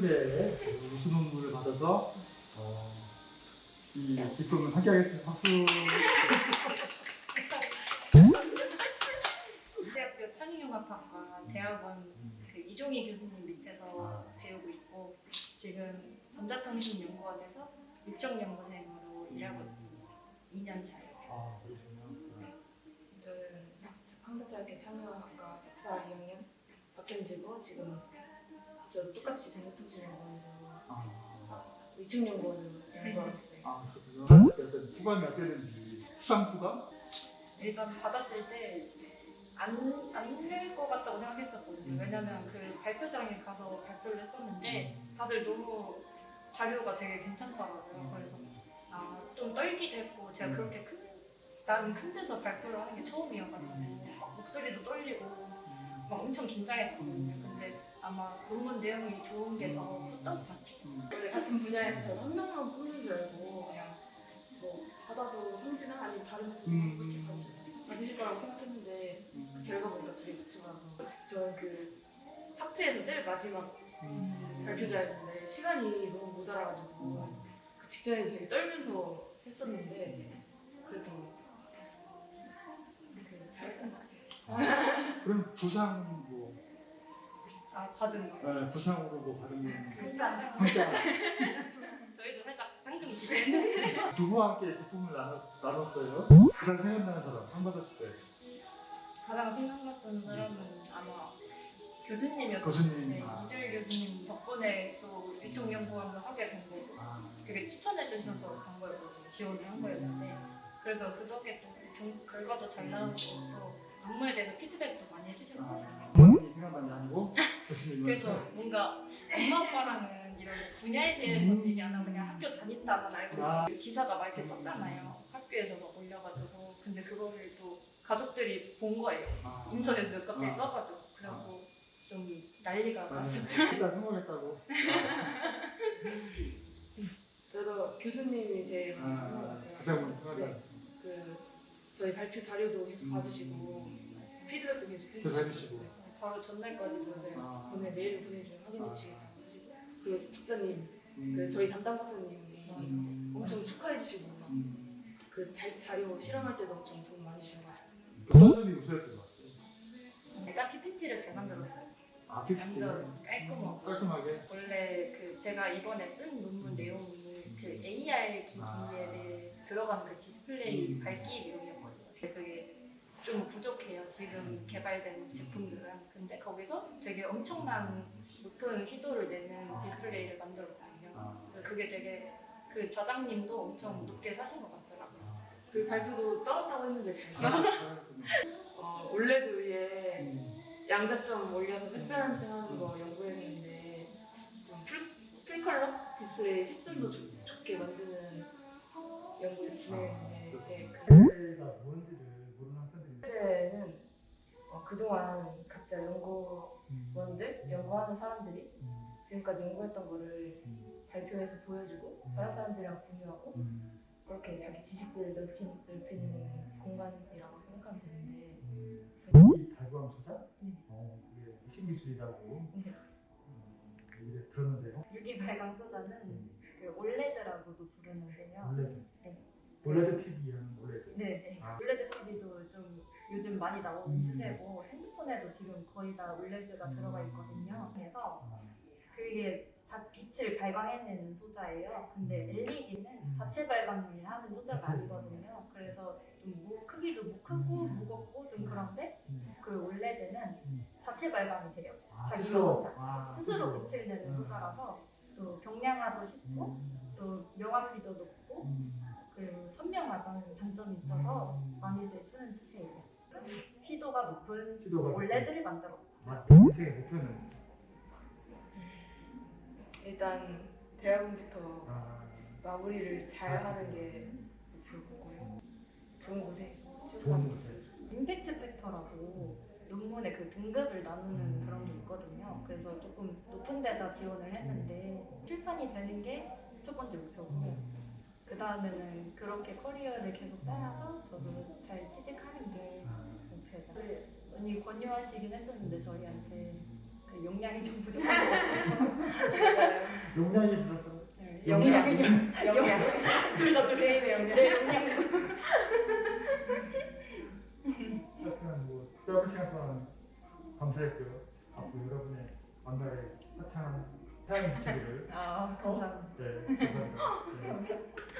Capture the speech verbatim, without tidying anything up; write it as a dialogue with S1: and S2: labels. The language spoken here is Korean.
S1: 함께 우수 논문을 받아서 어, 이 기쁨을 함께하겠습니다. 박수.
S2: 대학교 창의융합학과 대학원 그 이종희 교수님 밑에서 배우고 있고 지금 전자통신연구원에서 육정연구생으로 일하고 있습니다. 이 년 차예요.
S1: 아, 그러시군요.
S3: 저는 한국대학교 창의학과 석사 이 학년 박현지고 지금 저 똑같이 전자통신연구원으로
S1: 아,
S3: 위층연구원으로 연구하고 있어요.
S1: 아, 그렇군요. 약간 수감이 어떻게 되는지 수상 수감?
S2: 일단 받았을 때 안 안 낼 것 같다고 생각했었거든요. 왜냐면 그 발표장에 가서 발표를 했었는데 다들 너무 자료가 되게 괜찮더라고요. 그래서 아, 좀 떨기도 했고 제가 그렇게 큰 나는 큰 데서 발표를 하는 게 처음이어가지고 막 목소리도 떨리고 막 엄청 긴장했었거든요. 근데 아마 논문 내용이 좋은 게 더 컸던 것 같아요.
S3: 원래 같은 분야에서 저는 한 명만 뽑는 줄 알고 그냥 뭐 받아도 성진아 아니면 다른 분이 그렇게 받으실, 받으실 거라고 생각했는데 그 결과 보니까 둘이 같이 받아서 저는 그 파트에서 제일 마지막 발표자였는데 시간이 너무 모자라가지고 그 직전에 되게 떨면서 했었는데 그래도 그 잘했던 것 같아요.
S1: 그럼 부상 뭐
S2: 아, 받은 거.
S1: 네, 부상으로 뭐 받은 건
S2: 진짜
S1: 진짜
S2: 저희도 살짝 상금 기대했는데
S1: 누구와 함께 기쁨을 나눴, 나눴어요? 가장 생각나는 사람 상 받았을 때
S2: 가장 생각났던 사람은 아마 교수님이었어요.
S1: 교수님.
S2: 네,
S1: 아.
S2: 이주일 교수님 덕분에 또 위촉연구원을 하게 된 거고
S1: 아,
S2: 되게 추천해 주셔서 간 거였거든요. 지원을 한 거였는데 그래서 그 덕에 또 경- 결과도 잘 나오고 또 논문에 대해서 피드백도 많이 해주시거든요.
S1: 부모님이 생각나는 게 아니고 교수님은
S2: 그래서 뭔가 엄마 아빠랑은 이런 분야에 대해서
S1: 음.
S2: 얘기 안 하고 그냥 학교 다닌다만 알고
S1: 아.
S2: 있어요. 기사가 막 이렇게 떴잖아요. 학교에서 막 올려가지고 근데 그거를 또 가족들이 본 거예요.
S1: 아,
S2: 인터넷에 갑자기
S1: 아.
S2: 떠가지고 그래서 좀 난리가
S1: 맞아요.
S2: 났었죠.
S1: 일단 성공했다고.
S3: 저도 교수님이 제일 좋은 것
S1: 아,
S3: 같아요.
S1: 가장 생각나는.
S3: 네, 그 저희 발표 자료도 계속
S1: 음.
S3: 받으시고 피드백도 계속
S1: 계속
S3: 해주시고
S1: 해주시고.
S2: 바로 전날까지
S3: 맞아요.
S1: 아.
S3: 오늘 메일을 보내주면 확인해 주시겠다고 하시고 그리고 박사님,
S1: 음.
S3: 그 저희 담당 박사님이
S1: 음.
S3: 엄청 축하해 주시고 막
S1: 음.
S3: 그 자, 자료 실험할 때도 엄청 도움 많이 주셔가지고
S1: 어떤 점이 우수했던 것 같아요?
S2: 일단 피피티를 잘 만들었어요.
S1: 아, 피피티.
S2: 완전 깔끔하고
S1: 깔끔하게.
S2: 원래 그 제가 이번에 쓴 논문 내용이 그 에이알 기기에
S1: 아.
S2: 들어간 그 디스플레이
S1: 음.
S2: 밝기 내용이었거든요. 그게 좀 부족해요. 지금 개발된 제품들은. 근데 거기서 되게 엄청난 높은 희도를 내는 디스플레이를 만들었거든요.
S1: 아.
S2: 그래서 그게 되게 그 좌장님도 엄청 높게 사신 것 같더라고요.
S1: 아.
S3: 그 발표도 떠났다고 했는데 잘 써.
S1: 잘하셨군요.
S3: 어, 올레드 위에
S1: 음.
S3: 양자점 올려서 색변환 층하는 거 연구했는데 좀 풀, 풀컬러 디스플레이 색깔도 좋, 좋게 만드는 연구를 진행했는데 네, 그
S1: 디스플레이가 뭔지를 모르는 학생들이
S3: 그때는 어, 그동안 각자 연구원들, 연구하는 사람들이
S1: 음.
S3: 지금까지 연구했던 거를
S1: 음.
S3: 발표해서 보여주고 다른 사람들이랑 공유하고
S1: 음.
S3: 그렇게 자기 지식들을 넓히, 넓히는 공간이라고 생각하면 되는데
S1: 음.
S3: 그-
S1: 이 발광 소자?
S3: 네.
S1: 어, 그게 신기술이라고
S3: 네.
S1: 음, 얘기를 들었는데요.
S2: 유기 발광 소자는 그 올레드라고도 부르는데요.
S1: 올레드.
S2: 네.
S1: 올레드 티비라는 올레드.
S2: 네네.
S1: 아.
S2: 올레드 티비도 좀 요즘 많이 나오는
S1: 음.
S2: 추세고 핸드폰에도 지금 거의 다 올레드가 들어가 있거든요. 그래서
S1: 아.
S2: 그게 다 빛을 발광해내는 소자예요. 근데 엘이디는
S1: 음.
S2: 자체 발광을 하는 소자가
S1: 자체.
S2: 아니거든요. 그래서 좀 무, 크기도 무 크고
S1: 음.
S2: 무겁고 좀 그런데
S1: 음.
S2: 그 올레드는
S1: 음.
S2: 자체 발광이 돼요.
S1: 아,
S2: 자기가
S1: 스스로.
S2: 혼자
S1: 아,
S2: 스스로 빛을 내는
S1: 음.
S2: 소자라서 또 경량화도 쉽고
S1: 음.
S2: 또 명확히도 높고
S1: 음.
S2: 그리고 선명하다는 장점이 있어서
S1: 음.
S2: 많이들 쓰는 추세예요. 희도가 높은
S1: 희도가
S2: 올레드를 만들었어요.
S1: 아, 인생의 목표는
S3: 일단 대학원부터
S1: 아,
S3: 마무리를 잘 하는 게 목표고요. 좋은 곳에
S1: 좋은
S3: 취업하는
S1: 곳에.
S2: 임팩트 팩터라고 논문의 그 등급을 나누는 그런 게 있거든요. 그래서 조금 높은 데다 지원을 했는데 출판이 되는 게 첫 번째 목표고 그 다음에는 그렇게 커리어를 계속 쌓아서 저도 잘 취직하는 게
S1: 아.
S2: 목표죠. 그 언니 권유하시긴 했었는데 저희한테
S4: 그 용량이 좀 부족한 것 같아서.
S1: 용량이 들어서
S4: 네, 용량, 용량. 둘다 개인의 용량. 네, 용량.
S1: 하여튼 뭐 짧은 시간 동안 감사했고요. 앞으로 여러분의 만나에 화창한 태양이 비치기를
S4: 아, 감사합니다.
S1: 네, 감사합니다. 네.
S4: 감사합니다.